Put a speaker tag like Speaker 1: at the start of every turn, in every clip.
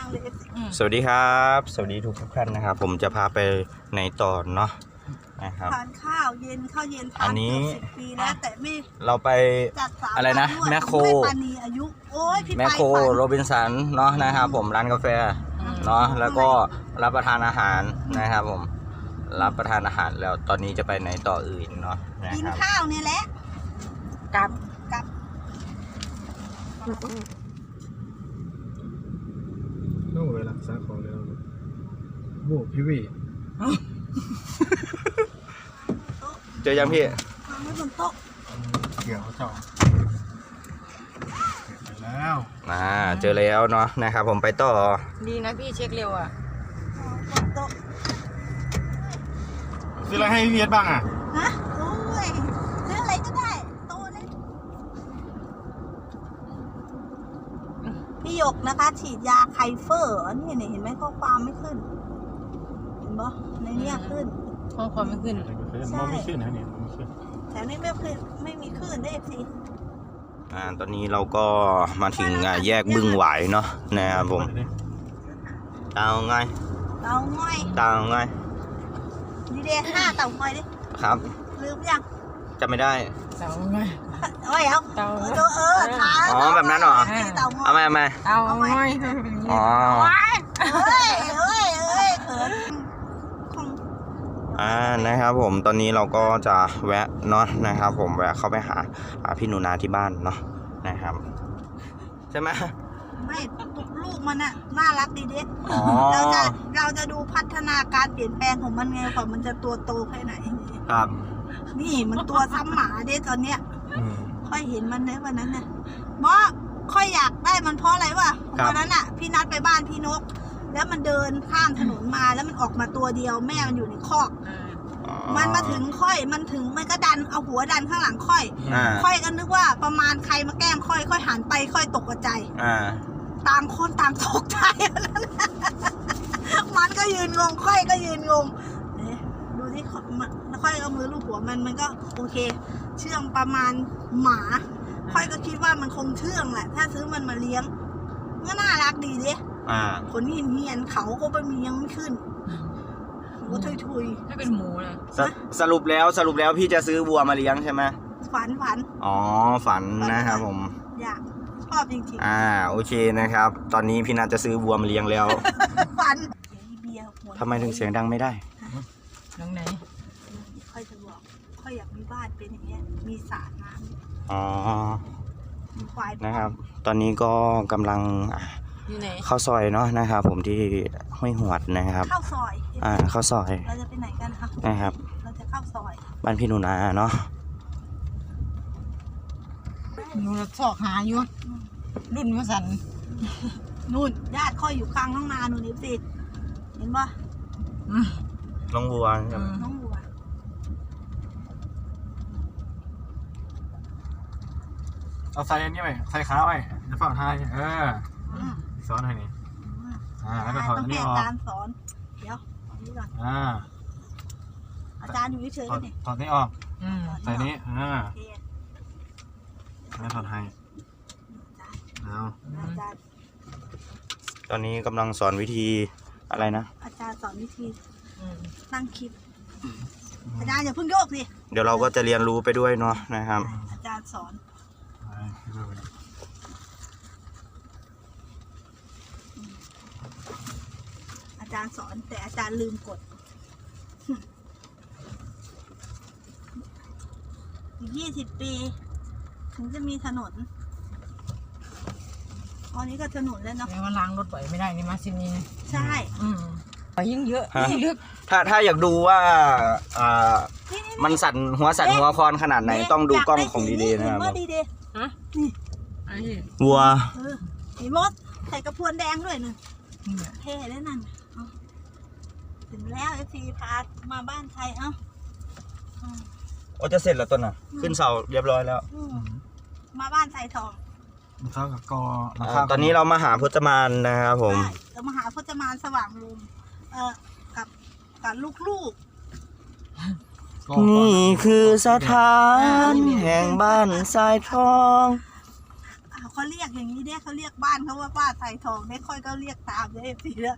Speaker 1: เลย
Speaker 2: สวัสดีครับสวัสดีทุกท่านนะครับผมจะพาไปในตอนเนาะนะครับ
Speaker 1: ทานข้าวเย็นข้าวเย็นทานเกือบ10 ปีแล้วแต่ไม่
Speaker 2: เราไป
Speaker 1: จัด
Speaker 2: อะไรนะแมคโคร
Speaker 1: ปานีอายุโอ้ยพี่
Speaker 2: แมคโครโรบินสันเนาะนะครับผมร้านกาแฟเนาะแล้วก็รับประทานอาหารนะครับผมรับประทานอาหารแล้วตอนนี้จะไปไหนต่ออื่นเนาะนะ
Speaker 1: กิน
Speaker 2: ครับ
Speaker 1: ข้าวเนี่ยแหละกลับ
Speaker 3: ต้องไปรักษาของแล้วโว้พี่วี
Speaker 2: เจอยังพี่
Speaker 1: วางไว้บนโต๊ะ
Speaker 3: เกี่ยวเจ้าไปแล้ว
Speaker 2: เจอแล้วเนาะนะครับผมไปต่อ
Speaker 4: ดีนะพี่เช็คเร็วอ่ะ
Speaker 1: บนโต๊ะ
Speaker 3: ซื้ออะไรให้พี่เวียดบ้างอ่ะ
Speaker 1: ฮะโอ้ยซื้ออะไรก็ได้โตเลยพี่หยกนะคะฉีดยาไคเฟอร์นี่เห็นไหมข้อความไม่ขึ้นเห็นปะในเนี้ยขึ้น
Speaker 4: ข้อความไม่ขึ้น
Speaker 3: มองไม่ขึ้นนะเนี่ยมองไม่ขึ้น
Speaker 1: แถวนี้ไม่มีคลื่นได้สิ
Speaker 2: ตอนนี้เราก็มาถึงแยกบึ้งหวายเนาะนะครับผมเตาไง
Speaker 1: ดีเดย์5เต่าง่อยดิ
Speaker 2: ครับ
Speaker 1: ลืมยัง
Speaker 2: จำไม่ได้
Speaker 4: เตาง่อย
Speaker 1: เอาเต่าท้า
Speaker 2: อ๋อแบบนั้นเหรอเอาไหม
Speaker 4: เตาง่อย
Speaker 2: อ๋อ
Speaker 1: เฮ้ยเขิน
Speaker 2: นะครับผมตอนนี้เราก็จะแวะเนาะนะครับผมแวะเข้าไปหาพี่หนูนาที่บ้านเนาะนะครับใช่ไหม
Speaker 1: ไม่ลูกมันน่ะน่ารักดีเด็ดเราจะดูพัฒนาการเปลี่ยนแปลงของมันไงก่อนมันจะตัวโตแค่ไหน
Speaker 2: ครับ
Speaker 1: นี่มันตัวซ้ำหมาเด็ดตอนเนี้ยค่อยเห็นมันในวันนั้นเนี่ยค่อยอยากได้มันเพราะอะไรวะวันนั้นอ่ะพี่นัดไปบ้านพี่นกแล้วมันเดินข้ามถนนมาแล้วมันออกมาตัวเดียวแม่มันอยู่ในคอกมันมาถึงมันก็ดันเอาหัวดันข้างหลังค่อยก็นึกว่าประมาณใครมาแกล้งค่อยหันไปค่อยตกใจต่างคนต่างตกใจมันก็ยืนงงค่อยก็ยืนงงดูที่ค่อยเอามือลูบหัวมันก็โอเคเชื่องประมาณหมาค่อยก็คิดว่ามันคงเชื่องแหละถ้าซื้อมันมาเลี้ยงก็น่ารักดีดิขนเหียนเขาก็ไม่มียังไม่ขึ้นหัวทุย
Speaker 4: ไม่เป็นหมูเลย
Speaker 2: สรุปแล้วพี่จะซื้อวัวมาเลี้ยงใช่ไหม
Speaker 1: ฝัน
Speaker 2: อ๋อฝันนะครับผม
Speaker 1: อยากชอบจริง
Speaker 2: ๆโอเคนะครับตอนนี้พี่นัทจะซื้อวัวมาเลี้ยงแล้ว
Speaker 1: ฝัน
Speaker 2: ทำไมถึงเสียงดังไม่ได้
Speaker 4: ตรงไหน
Speaker 1: ค่อยจะบอกค่อยอยากมีบ้านเป็นอย่างเงี้ยมีสระน้ำ
Speaker 2: นะครับตอนนี้ก็กำลังเข้าซอยเนาะนะครับผมที่ห้วยหวดนะครับ
Speaker 1: เข้าซอย
Speaker 2: เข้าซอย
Speaker 1: เราจะไปไหนกันคะ
Speaker 2: นะครับ
Speaker 1: เราจะเข้าซอย
Speaker 2: บ้านพี่หนูนาเนาะ
Speaker 4: หนูสอกหาอยู่รุ่นมาสั่น
Speaker 1: นู่นญาติค่อยอยู่กลางห้องนาหนูนี่สิเห็นปะ
Speaker 2: น้องบัว
Speaker 1: น้องบัว
Speaker 3: เอาใส่อันนี้ไปใส่ขาไปจะฝั่งไทยสอนให้นี่แล้วก็ถอดอันนี้ออก
Speaker 1: อาจารย์สอนเดี๋ยวนี่ก่อนอาจารย์อยู่เฉยๆนี่
Speaker 3: ถอดนี้ออกใส่นี้แล้วถอดให้
Speaker 2: ตอนนี้กำลังสอนวิธีอะไรนะ
Speaker 1: อาจารย์สอนวิธีตั้งคลิปอาจารย์อย่าเพิ่งโยกสิ
Speaker 2: เดี๋ยวเราก็จะเรียนรู้ไปด้วยเนาะนะครับ
Speaker 1: อาจารย์สอนอาจารย์สอนแต่อาจารย์ลืมกดอีก20 ปีถึงจะมีถนนตอนนี้ก็ถนนแล้วเนาะ
Speaker 4: แล้วล้างรถบ่อยไม่ได้นี่มาซินี่
Speaker 1: ใช่
Speaker 4: ยิ่งเยอะยิ่งลึก
Speaker 2: ถ้าอยากดูว่ามันสั่นหัวคอนขนาดไหนต้องดูกล้องของดีเดย์นะครับ
Speaker 1: นี่
Speaker 2: วัว
Speaker 1: มีมดใส่กระพวนแดงด้วยนึงเท่แล้วนั่นถึงแล้วFCพามาบ้านใคร
Speaker 2: จะเสร็จแล้วต้นน่ะขึ้นเสาเรียบร้อยแล้ว
Speaker 1: มาบ้านไทยทอง
Speaker 3: เข้ากับกอ
Speaker 2: ตอนนี้เรามาหาพจมานนะครับผม
Speaker 1: เรามาหาพจมานสว่างลมกับลูก
Speaker 2: นี่คือสถานแห่งบ้านทรายทอง
Speaker 1: ค่เขาเรียกอย่างนี้เนี่ยเขาเรียกบ้านเขาว่าป้าไทยทองเนี่ยค่อยก็เรียกตามเลยสิแล้ว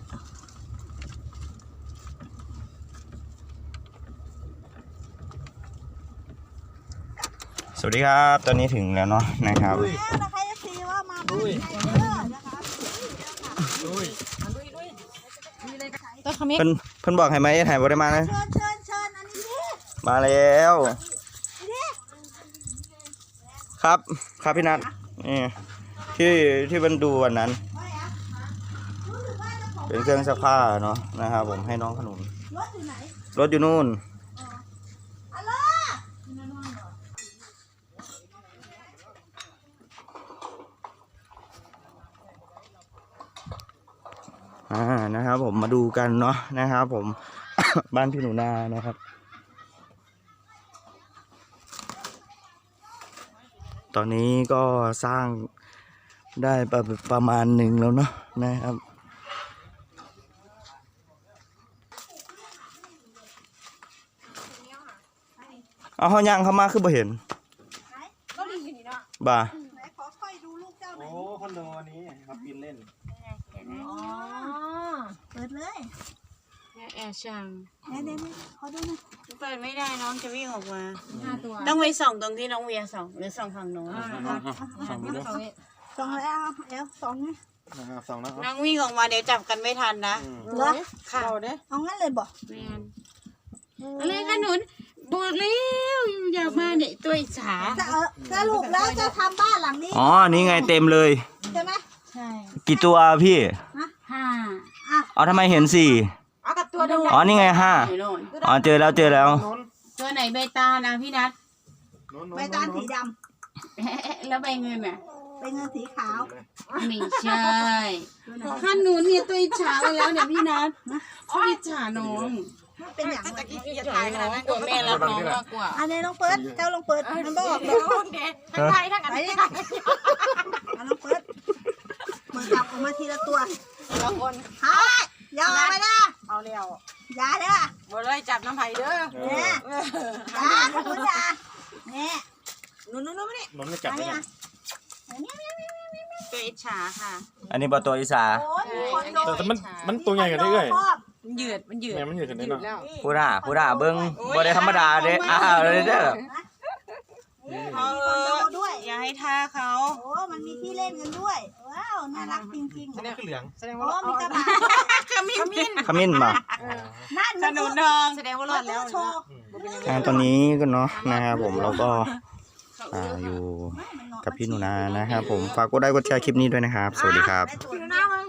Speaker 2: สวัสดีครับ ตอนนี้ถึงแล้วเนาะนะครับ
Speaker 1: แล้วนะคะจะซีว่ามาบ้านไทยเด้อนะคะ
Speaker 4: ต้นขมิ้น
Speaker 2: เพิ่นบอกให้ไหมถ่ายบ่ได้มานะ
Speaker 1: เชิญเชิญเชิญอันนี้ดิ
Speaker 2: มาแล้ว
Speaker 1: ดิ
Speaker 2: ครับครับพี่นัทนี่ที่มันดูวันนั้น
Speaker 1: ไม่อะรู้สึกว่าเจ้าของ
Speaker 2: เป็นเครื่องซักผ้าเนาะนะครับผมให้น้องขนุน
Speaker 1: รถอยู่ไหน
Speaker 2: รถอยู่นู่น
Speaker 1: ฮัลโหล
Speaker 2: นะครับผมมาดูกันเนาะนะครับผม บ้านพี่หนูนานะครับ ตอนนี้ก็สร้างได้ประมาณหนึ่งแล้วเนาะนะครับเอาเขาย่างเข้ามาคือบ่เห็น
Speaker 1: ก็ดีอยู่นี่เนาะ
Speaker 2: บ่า
Speaker 1: ไหนขอค่อยดูลูกเจ้าหน่
Speaker 3: โอ้
Speaker 1: อย
Speaker 3: คอนโดนี้ครับปีนเล่น
Speaker 1: อ๋อเปิดเลย
Speaker 5: แอบช่าง
Speaker 1: เนี่ยขอดูหน่อย
Speaker 5: เปิดไม่ได้น้องจะวิ่งออกมา
Speaker 4: 5 ตัว
Speaker 5: ต้องไปส่องตรงที่น้องเวียส่องหรือส่องฝั่งโน้น
Speaker 3: สองดูด้วย
Speaker 1: สองแล้วสองไง
Speaker 3: นะครับสองนะครับ
Speaker 5: น้องวิ่งออกมาเดี๋ยวจับกันไม่ทันนะ
Speaker 1: เหรอ
Speaker 5: ค่ะ
Speaker 1: เอางั้นเลยบอก
Speaker 5: แมนอะไรขนุนบอกแล้วอยากมาเนี่ยตัวอิจฉา
Speaker 1: สรุปแล้วจะทำบ้านหลังนี้
Speaker 2: อ๋อนี่ไงเต็มเลย
Speaker 1: ใช่ไหม
Speaker 4: ใช่
Speaker 2: กี่ตัวพี่
Speaker 5: ห้า
Speaker 2: เอาทำไมเห็นสี่
Speaker 4: เอากับตัวเดียว
Speaker 2: อ๋อนี่ไงห้า
Speaker 5: อยู่โน่น
Speaker 2: อ๋อเจอแล้ว
Speaker 5: ตัวไหนใบตานะพี่นัท
Speaker 1: ใบตาลสีด
Speaker 5: แล้วใบเงินอ่ะ
Speaker 1: ำเป็นเงินสีขาว
Speaker 5: ไม่ใช่ขนุนเนี่ยตัวอิจฉาไปแล้วเนี่ยพี่นัทเขาอิจฉาน้อง
Speaker 1: เป็นอย่างไร
Speaker 5: อิจฉาน้องกลัวแม่รักน้องมากกว่า
Speaker 1: อันนี้ลองเปิดเจ้าลองเปิดมันบอกเลย
Speaker 4: ทั้งไทยทั้งอัน
Speaker 1: ไป
Speaker 4: นี้
Speaker 1: ดิเอาลองเปิดจับออกมาทีละตัว
Speaker 4: ละคน
Speaker 1: ฮะอย่าออกไปนะ
Speaker 4: เอาแล้ว
Speaker 1: อย่าเด้อ
Speaker 4: บ่เลยจับน้ำไผ่เด้อ
Speaker 1: เนี่ยอย่าคุณอย่าเนี่ย
Speaker 4: นู่นไม่ได้
Speaker 3: นนท์ไม่จับเลย
Speaker 5: ตัวอิจฉาค่ะ
Speaker 2: อันนี้บอตัวอีสา
Speaker 1: โอ้ยมีคอนโด
Speaker 3: แต่มันตัวใหญ่กว่านี้เลย
Speaker 4: มันยืด
Speaker 3: แม่มันอยู่ถึงได้เนาะ
Speaker 4: แล้ว
Speaker 2: พูดด่าเบิ้งบ่ได้ธรรมดาเด้อ้าวเลยเด้อ
Speaker 1: มีคอนโดด้วย
Speaker 5: อย่าให้ท่าเขา
Speaker 1: โอ้มันมีที่เล่นกันด้วย ว้าว น่ารักจริงๆ
Speaker 3: แสดงคือเหลืองแสดง
Speaker 1: โอ้
Speaker 3: ว่า
Speaker 1: มีกระบะ
Speaker 5: ขมิ้น
Speaker 2: ขมิ้นมา
Speaker 1: นั่น
Speaker 5: ขนุนทอง
Speaker 4: แสดงว่ารอดแล้ว
Speaker 1: โชว์
Speaker 2: ตอนนี้ก็เนาะนะครับผมเราก็อยู่กับพี่หนูนานะครับผมฝากกดไลค์กดแชร์คลิปนี้ด้วยนะครับ สวัสดีครับ
Speaker 1: ได้ตัวหน้ามา